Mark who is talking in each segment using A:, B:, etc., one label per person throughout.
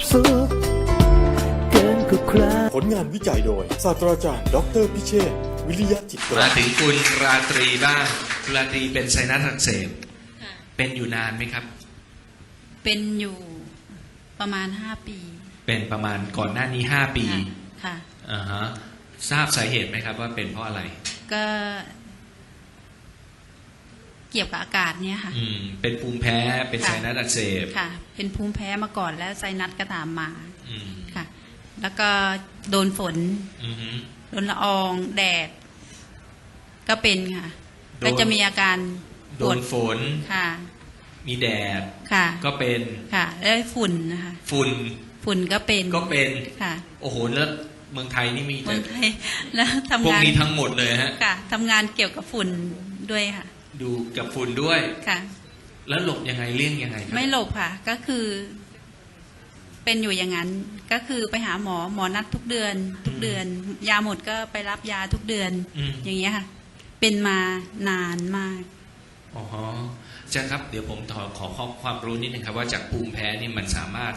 A: สุขเกินกว่าใคร
B: ผลงานวิจัยโดยศาสตราจารย์ดออเตอร์พิเชษฐ์วิริยะจิตรา
C: มาถึงคุณราตรีบ้างคุณราตรีเป็นไซนัสอักเสบ
D: ค่ะ
C: เป็นอยู่นานไหมครับ
D: เป็นอยู่ประมาณ5 ปี
C: เป็นประมาณก่อนหน้านี้5 ปี
D: ค่ะ
C: อ่าฮะทราบสาเหตุไหมครับว่าเป็นเพราะอะไร
D: ก็เกี่ยวกับอากาศเนี่ยค่ะ
C: เป็นภูมิแพ้เป็น
D: ค่ะ
C: ไซนัสอักเสบ
D: ค่ะ เป็นภูมิแพ้มาก่อนแล้วไซนัสก็ตามมา
C: อืม
D: ค่ะ แล้วก็โดนฝน
C: อือฮึ
D: โดนละอองแดด ก็เป็นค่ะ
C: โดน
D: ก็จะมีอาการป
C: โด
D: วด
C: นฝน
D: ค่ะ
C: มีแดด
D: ค่ะ
C: ก็เป็น
D: ค่ะ แล้วฝุ่นนะคะ
C: ฝุ่น
D: ฝุ่นก็เป็น
C: ก็เป็น
D: ค่ะ
C: โอ้โหแล้วเมืองไทยนี่มี
D: เมื
C: แต่
D: องไทยแล้ว
C: พว
D: ทำ
C: ก
D: งาน
C: นี้ทั้งหมดเลยฮะ
D: ค่ะทำงานเกี่ยวกับฝุ่นด้วยค่ะ
C: ดูกับฝุ่นด้วย
D: ค่ะ
C: แล้วหลบยังไงเลี่ยงยังไงครับ
D: ไม่หลบค่ะ ก็คือ เป็นอยู่อย่างนั้น ก็คือไปหาหมอนัดทุกเดือน ทุกเดือน ยาหมดก็ไปรับยาทุกเดือน อย่างเงี้ยค่ะ เป็นมานานมาก
C: อ๋อฮะอาจารย์ครับเดี๋ยวผมขอความรู้นิดนึงครับว่าจากภูมิแพ้นี่มันสามารถ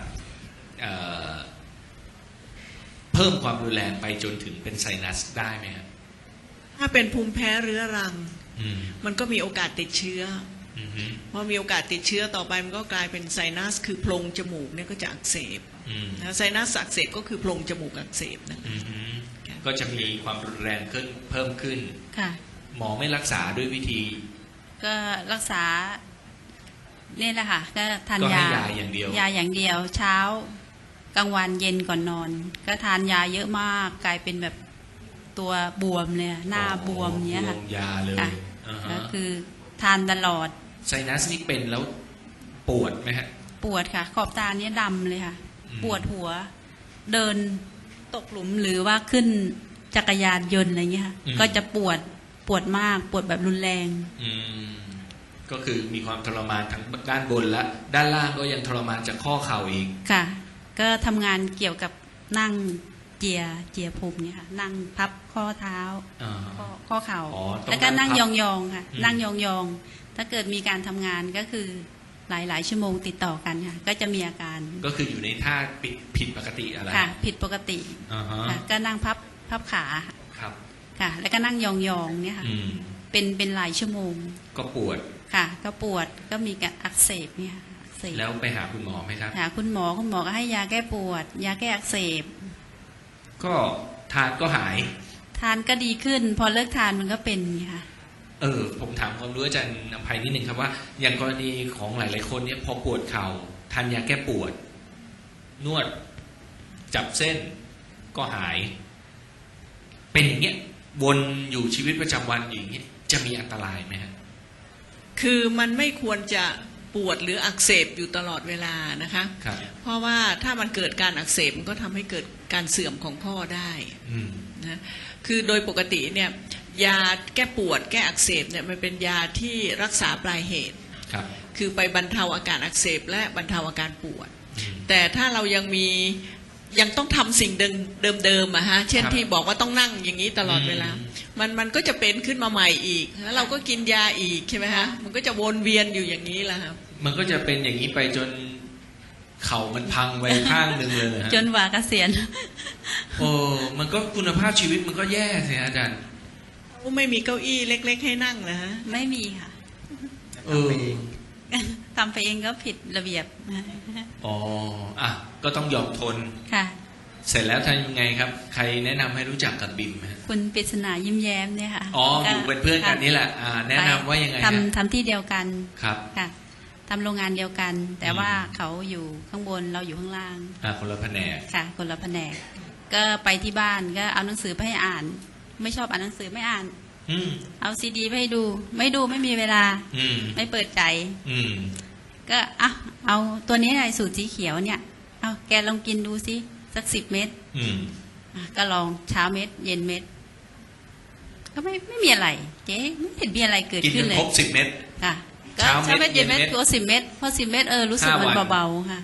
C: เพิ่มความรุนแรงไปจนถึงเป็นไซนัสได้ไหมครับ
E: ถ้าเป็นภูมิแพ้เรื้อรัง
C: อืม
E: มันก็มีโอกาสติดเชื้อ
C: อืมฮึ
E: พอมีโอกาสติดเชื้อต่อไปมันก็กลายเป็นไซนัสคือโพรงจมูกเนี่ยก็จะอักเสบ
C: อืม
E: นะไซนัสอักเสบก็คือโพรงจมูกอักเสบนะ
C: อืมฮึก็จะมีความรุนแรงขึ้นเพิ่มขึ้น
D: ค่ะ
C: หมอไม่รักษาด้วยวิธี
D: ก็รักษาเนี่ยแหละค่ะ ก็ทาน
C: ก็ให้
D: ยาย
C: าอย่างเดียว
D: ยาอย่างเดียว เช้ากลางวันเย็นก่อนนอน ก็ทานยาเยอะมาก กลายเป็นแบบตัวบวมเลยอะหน้าบวมเนี้ยค่ะ
C: บวมยาเลย
D: ค่ะ
C: อ่าฮะ
D: ก็คือทานตลอด
C: ไซนัสนี่เป็นแล้วปวดไหมฮะ
D: ปวดค่ะ ขอบตาเนี้ยดำเลยค่ะ
C: อืม
D: ปวดหัว เดินตกหลุมหรือว่าขึ้นจักรยานยนต์อะไรเงี้ยค่ะ ก็จะปวดมากปวดแบบรุนแรง
C: อืมก็คือมีความทรมานทั้งด้านบนและด้านล่างก็ยังทรมานจากข้อเข่าอีก
D: ค่ะ ก็ทำงานเกี่ยวกับนั่งเจียภูมิเนี่ยค่ะ นั่งพับข้อเท้า
C: อ่า
D: ข้อเข่า
C: อ๋อต้อง
D: แล้วก็นั่ง
C: นั่ง
D: ย
C: พับ
D: องๆค่ะ
C: อืม
D: นั่งยองๆถ้าเกิดมีการทำงานก็คือหลายชั่วโมงติดต่อกันค่ะ ก็จะมีอาการ
C: ก็คืออยู่ในท่าผิดปกติอะไร
D: ค่ะ ผิดปกติ
C: อ่าฮะ
D: ค่ะ ก็นั่งพับขาค่ะ
C: ครับ
D: ค่ะ แล้วก็นั่งยองๆเนี่ยค่ะ
C: อืม
D: เป็นหลายชั่วโมง
C: ก็ปวด
D: ค่ะ ก็ปวดก็มีการอักเสบเนี่ยค่ะอักเสบ
C: แล้วไปหาคุณหมอไหมครับ
D: หาคุณหมอก็ให้ยาแก้ปวด ยาแก้อักเสบ
C: ก็ทานก็หาย
D: ทานก็ดีขึ้น พอเลิกทานมันก็เป็นค่ะ
C: ผมถามความรู้อาจารย์อภัยนิดนึงครับว่า อย่างกรณีของหลายๆคนเนี่ยพอปวดเข่าทานยาแก้ปวด นวด จับเส้นก็หาย เป็นอย่างเงี้ยวนอยู่ชีวิตประจำวันอยู่อย่างเงี้ยจะมีอันตรายไหมฮะ
E: คือมันไม่ควรจะปวดหรืออักเสบอยู่ตลอดเวลานะคะ
C: ครับ
E: เพราะว่าถ้ามันเกิดการอักเสบมันก็ทำให้เกิดการเสื่อมของข้อได้
C: อืม
E: นะคือโดยปกติเนี่ยยาแก้ปวดแก้อักเสบเนี่ยมันเป็นยาที่รักษาปลายเหตุ
C: ครับ
E: คือไปบรรเทาอาการอักเสบและบรรเทาอาการปวด
C: อืม
E: แต่ถ้าเรายังต้องทำสิ่งเดิมๆอะฮะเช่น
C: ครับ
E: ที่บอกว่าต้องนั่งอย่างนี้ตลอดเวลา มันก็จะเป็นขึ้นมาใหม่อีกแล้วเราก็กินยาอีกใช่ไหมฮะมันก็จะวนเวียนอยู่อย่างนี้แหละครับ
C: มันก็จะเป็นอย่างนี้ไปจนเข่ามันพังไปข้างหนึ่งเลยนะฮะ
D: จนว่าเกษียณ
C: โอ้มันก็คุณภาพชีวิตมันก็แย่สิฮะอาจารย์
E: ไม่มีเก้าอี้เล็กๆให้นั่งนะฮะ
D: ไม่มีค่ะ
C: เออ
D: ทำไปเองก็ผิดระเบียบ
C: อ๋ออ่ะก็ต้องยอมทน
D: ค่ะ
C: เสร็จแล้วทำยังไงครับ ใครแนะนำให้รู้จักกับบิมฮะ
D: คุณปริศนายิ้มแย้มเนี่ยค่ะ
C: อ๋ออยู่เป็นเพื่อนกันนี่แหละแนะนำว่ายังไงฮะ
D: ทำที่เดียวกัน
C: ครับ
D: ค่ะทำโรงงานเดียวกัน แต่ว่าเขาอยู่ข้างบนเราอยู่ข้างล่าง
C: คนละแผนก
D: ค่ะ คนละแผนก ก็ไปที่บ้านก็เอาหนังสือไปให้อ่าน ไม่ชอบอ่านหนังสือไม่อ่าน
C: อืม
D: เอาซีดีไปให้ดู ไม่ดูไม่มีเวลา
C: อืม
D: ไม่เปิดใจ
C: อืม
D: ก็เอาตัวนี้อะไรสูตรสีเขียวเนี่ย เอาแกลองกินดูสิสัก10 เม็ด
C: อืม
D: ก็ลองเช้าเม็ด เย็นเม็ด ก็ไม่มีอะไร เจ๊ไม่เห็นมีอะไรเกิด
C: กิน
D: ขึ้
C: จ
D: น
C: น
D: เลย
C: ครบ10 เม็ด
D: ค่ะก็
C: เช้าเม็ด
D: เช้าเม็ดเย็นเม็ด
C: เย็นเม็ด
D: ตัว10 เม็ดพอ10 เม็ดรู้สึกมัน
C: 5 วัน
D: เบาๆค่ะ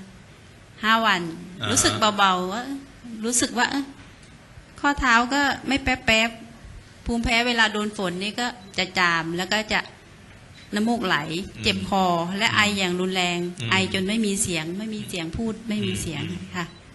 D: 5 วัน
C: อ่าฮะ
D: รู้สึกเบาๆว่ารู้สึกว่าข้อเท้าก็ไม่แป๊บๆภูมิแพ้เวลาโดนฝนนี่ก็จะจามแล้วก็จะน้ำมูกไหล เจ็บคอและไออย่างรุนแรง ไอจนไม่มีเสียงพูดไม่มีเสียงค่ะ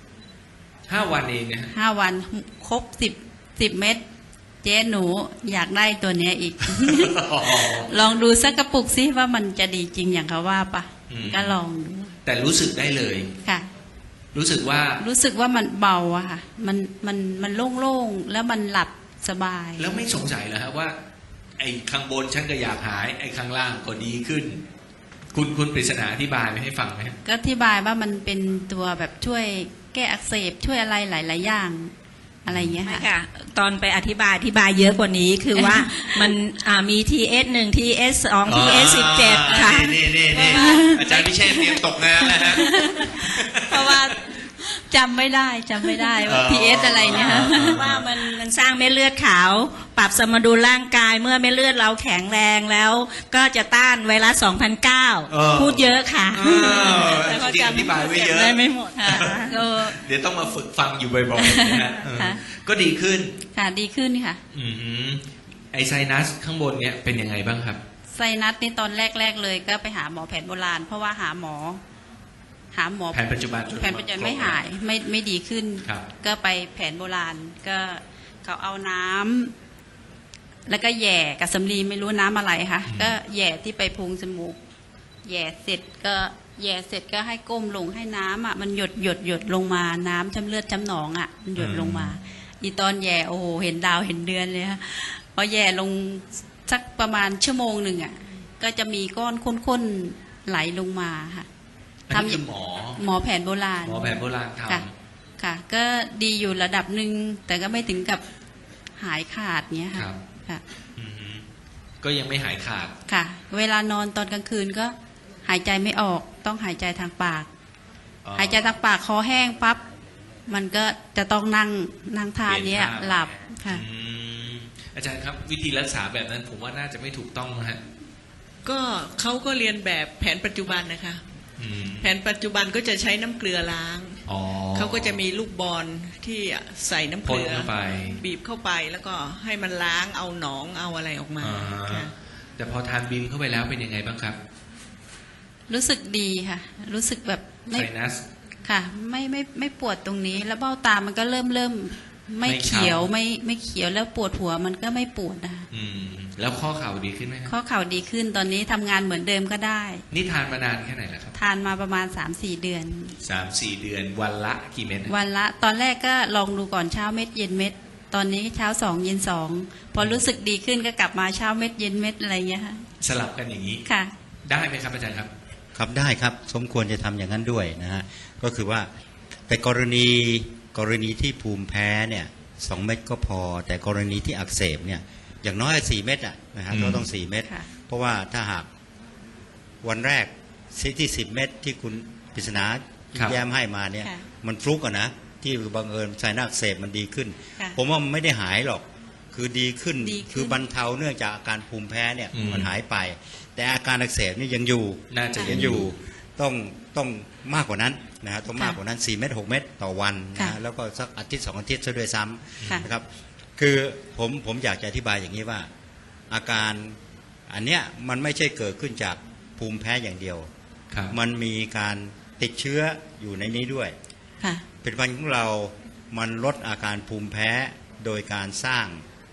C: 5 วันเองนะฮะ
D: 5 วันครบ10 เม็ดเจ๊หนูอยากได้ตัวเนี้ยอีก ลองดูสักกระปุกซิว่ามันจะดีจริงอย่างเขาว่าปะก็ลองดู
C: แต่รู้สึกได้เลย
D: ค่ะ
C: รู้สึกว่า
D: รู้สึกว่ามันเบาอะค่ะ มันโล่งๆแล้วมันหลับสบาย
C: แล้วไม่สงสัยเหรอฮะว่า ไอ้ข้างบนฉันก็อยากหาย ไอ้ข้างล่างก็ดีขึ้น คุณปริศนาอธิบายให้ฟังไหมฮะ
D: ก็อธิบายว่ามันเป็นตัวแบบช่วยแก้อักเสบช่วยอะไรหลายๆอย่างอะไรอย่างเงี้ย
F: ไม่
D: ค่ะ
F: ค่ะ ตอนไปอธิบายเยอะกว่านี้คือว่า มันมี TS1 TS2 TS17 ค่ะ
C: นี่อาจารย์พิเชษฐ์เตรียมตกงานแล้วฮะ
D: เพราะว่าจำไม่ได้ว่า PS อะไรเนี่ยค่ะ
F: ว่ามันสร้างเม็ดเลือดขาว ปรับสมดุลร่างกายเมื่อเม็ดเลือดเราแข็งแรงแล้ว ก็จะต้านไวรัส 2009 พูดเยอะค่ะ
C: แล้วก็อธิบายไว้เยอะ
F: ได้ไม่หมด
D: ค่ะก็
C: เดี๋ยวต้องมาฝึกฟังอยู่บ่อยๆนะฮะ
D: ค่ะ
C: ก็ดีขึ้น
D: ค่ะดีขึ้นค่ะ
C: อือหือไอไซนัสข้างบนเนี่ยเป็นยังไงบ้างครับ
D: ไซนัสนี่ตอนแรกเลยก็ไปหาหมอแผนโบราณ เพราะว่าหาหมอ
C: แผนปัจจุบัน
D: แผนปัจจุบันไม่หายไม่ดีขึ้น
C: ครับ
D: ก็ไปแผนโบราณก็เขาเอาน้ำแล้วก็แหย่กับสำลีไม่รู้น้ำอะไรค่ะ ก็แหย่ที่ไปพุงจมูกแหย่เสร็จก็ให้ก้มลงให้น้ำอ่ะมันหยดลงมาน้ำช้ำเลือดช้ำหนองอ่ะมันหยดลงมา อีตอนแหย่โอ้โหเห็นดาวเห็นเดือนเลยค่ะพอแหย่ลงสักประมาณชั่วโมงหนึ่งอ่ะก็จะมีก้อนข้นๆไหลลงมาค่ะ
C: อันนี้คือหมอ
D: แผนโบราณ
C: หมอแผนโบราณท
D: ค่ะ ค่ะ ก็ดีอยู่ระดับหนึ่งแต่ก็ไม่ถึงกับหายขาดเนี้ย
C: ำ
D: ค่ะ
C: ครับ
D: ค่ะ
C: อือหือก็ยังไม่หายขาด
D: ค่ะ เวลานอนตอนกลางคืนก็หายใจไม่ออกต้องหายใจทางปาก หายใจทางปากคอแห้งปั๊บมันก็จะต้องนั่งท่าเนี้ยหลับค่ะ
C: อืมอาจารย์ครับวิธีรักษาแบบนั้นผมว่าน่าจะไม่ถูกต้องนะฮะ
E: ก็เขาก็เรียนแบบแผนปัจจุบันนะคะ
C: อืม
E: แผนปัจจุบันก็จะใช้น้ำเกลือล้าง
C: อ๋อ
E: เขาก็จะมีลูกบอลที่ใส่น้ำเก
C: พ่น
E: ลือ
C: เข้าไป
E: บีบเข้าไปแล้วก็ให้มันล้างเอาหนองเอาอะไรออกมา
C: อ่า
E: ค่ะ
C: แต่พอทานบิมเข้าไปแล้วเป็นยังไงบ้างครับ
D: รู้สึกดีค่ะ รู้สึกแบบ
C: ไซนัส
D: ค่ะ ไม่ปวดตรงนี้ แล้วเบ้าตามันก็เริ่มไม่
C: ไม่
D: เขียว
C: เข่า
D: ไม่เขียวแล้วปวดหัวมันก็ไม่ปวดนะคะ
C: อืมแล้วข้อเข่าดีขึ้นไหมครับ
D: ข้อเข่าดีขึ้นตอนนี้ทำงานเหมือนเดิมก็ได้
C: นี่ทานมานานแค่ไหนแล้วครับ
D: ทานมาประมาณ 3-4 เดือน
C: 3-4 เดือนวันละกี่เม็ด
D: วันละตอนแรกก็ลองดูก่อนเช้าเม็ดเย็นเม็ด ตอนนี้เช้า2เย็น2พอรู้สึกดีขึ้นก็กลับมาเช้าเม็ดเย็นเม็ดอะไรเงี้ยค่ะ
C: สลับกันอย่างนี้
D: ค่ะ
C: ได้ไหมครับอาจารย์ครับ
G: ครับได้ครับสมควรจะทำอย่างนั้นด้วยนะฮะก็คือว่าแต่กรณีที่ภูมิแพ้เนี่ย2 เม็ดก็พอแต่กรณีที่อักเสบเนี่ยอย่างน้อย4 เม็ดอะนะฮะ
C: อืม
G: ก็ต้อง4 เม็ด
D: ค่ะ
G: เพราะว่าถ้าหากวันแรกที่10 เม็ดที่คุณปริศนาแย้มให้มาเนี่ย
D: ค่ะ
G: มันฟลุกอะนะที่บังเอิญไซนัสอักเสบมันดีขึ้น
D: ค่ะ
G: ผมว่ามันไม่ได้หายหรอกคือดีขึ้น
D: ดีขึ้น
G: คือบรรเทาเนื่องจากอาการภูมิแพ้เนี่ย
C: อืม
G: มันหายไป แต่อาการอักเสบนี่ยังอยู่
C: น่าจะ
G: ยังอยู่ต้องมากกว่านั้นนะฮะต้องมากกว่านั้น4 เม็ด6 เม็ดต่อวันนะ
D: ค่ะ
G: ฮะแล้วก็สักอาทิตย์2 อาทิตย์ซะด้วยซ้
D: ค่ะ
G: ำนะครับคือผมอยากจะอธิบายอย่างนี้ว่า อาการอันเนี้ยมันไม่ใช่เกิดขึ้นจากภูมิแพ้อย่างเดียว
C: ครับ
G: มันมีการติดเชื้ออยู่ในนี้ด้วย
D: ค่ะ
G: ผลิตภัณฑ์ของเรามันลดอาการภูมิแพ้โดยการสร้าง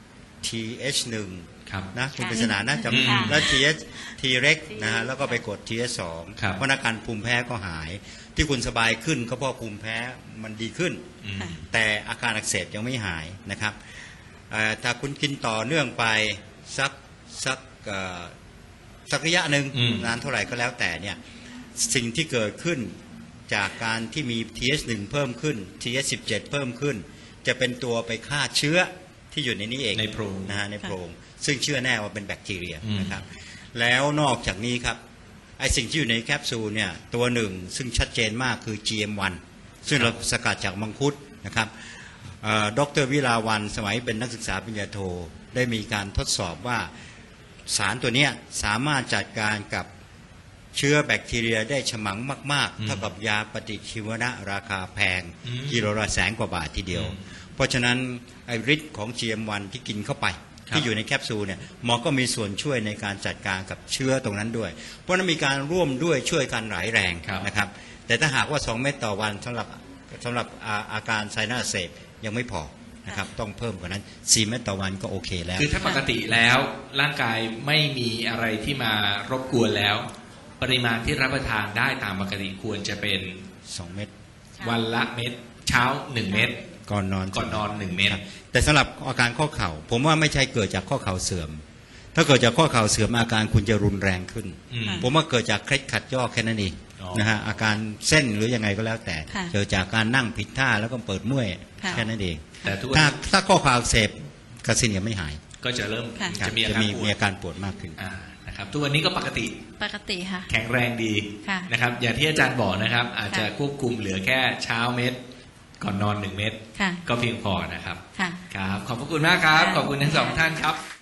G: TH1
C: ครับ
G: นะคุณ
D: ค่ะ
G: ปริศนานะ
C: อืม
G: จำแล้ว T เล็กนะฮะแล้วก็ไปกด TH2
C: ครับ
G: เพราะอาการภูมิแพ้ก็หาย ที่คุณสบายขึ้นก็เพราะภูมิแพ้มันดีขึ้น
C: อืม
D: ค่ะ
G: แต่อาการอักเสบยังไม่หายนะครับถ้าคุณกินต่อเนื่องไปสักระยะหนึ่ง
C: อืม
G: นานเท่าไหร่ก็แล้วแต่เนี่ยสิ่งที่เกิดขึ้นจากการที่มี TH1 เพิ่มขึ้น TH17 เพิ่มขึ้น จะเป็นตัวไปฆ่าเชื้อที่อยู่ในนี้เอง
C: ในโพรง
G: นะฮะในโพรงซึ่งเชื่อแน่ว่าเป็นแบคทีเรีย
C: อืม
G: นะครับแล้วนอกจากนี้ครับไอสิ่งที่อยู่ในแคปซูลเนี่ยตัวหนึ่งซึ่งชัดเจนมากคือ GM1 ซึ่งเราสกัดจากมังคุดนะครับดร.วิลาวันสมัยเป็นนักศึกษาปริญญาโทได้มีการทดสอบว่าสารตัวเนี้ยสามารถจัดการกับเชื้อแบคทีเรียได้ฉมังมาก
C: อืม
G: ๆเท่ากับยาปฏิชีวนะราคาแพง
C: อืม
G: กิโลละ100,000 กว่าบาททีเดียว เพราะฉะนั้นไอฤทธิ์ของ GM1 ที่กินเข้าไป
C: ครับ
G: ที่อยู่ในแคปซูลเนี่ยหมอก็มีส่วนช่วยในการจัดการกับเชื้อตรงนั้นด้วย เพราะฉะนั้นมีการร่วมด้วยช่วยกันหลายแรง
C: ครับ
G: นะครับแต่ถ้าหากว่า2 เม็ดต่อวันสำหรับสำหรับอาการไซนัสอักเสบยังไม่พอนะครับต้องเพิ่มกว่านั้น4 เม็ดต่อวันก็โอเคแล้ว
C: คือถ้าปกติแล้วร่างกายไม่มีอะไรที่มารบกวนแล้ว ปริมาณที่รับประทานได้ตามปกติควรจะเป็น
G: 2 เม็ด
C: วันละเม็ดเช้า1 เม็ด
G: ก่อนนอน
C: ก่อนนอน1 เม็ด
G: ครับแต่สำหรับอาการข้อเข่าผมว่าไม่ใช่เกิดจากข้อเข่าเสื่อม ถ้าเกิดจากข้อเข่าเสื่อมอาการคุณจะรุนแรงขึ้น
C: อืม
G: ผมว่าเกิดจากเคล็ดขัดย่อแค่นั้นเอง
C: อ๋อ
G: นะฮะอาการเส้นหรือยังไงก็แล้วแต่
D: ค่ะ
G: เกิดจากการนั่งผิดท่าแล้วก็เปิดเมื่อย
D: ค่ะ
G: แค่นั้นเอง
C: แต่ทุก
G: ถ้าข้อเข่าอักเสบกระสินยังไม่หาย
C: ก็จะเริ่ม
D: ค่ะ
C: จะมีอา
G: จะ
C: การ
G: มี
C: ปว
G: มี
C: ด
G: อาการปวดมากขึ้น
C: นะครับทุกวันนี้ก็ปกติ
D: ปกติค่ะ
C: แข็งแรงดี
D: ค่ะ
C: นะครับอย่างที่อาจารย์บอกนะครับ อาจจะ
D: ค่ะ
C: ควบคุมเหลือแค่เช้าเม็ดก่อนนอน1 เม็ด
D: ค่ะ
C: ก็เพียงพอนะครับ
D: ค่ะ
C: ครับขอบพระคุณมากครับ
D: ค่ะ
C: ขอบคุณทั้งสองท่านครับ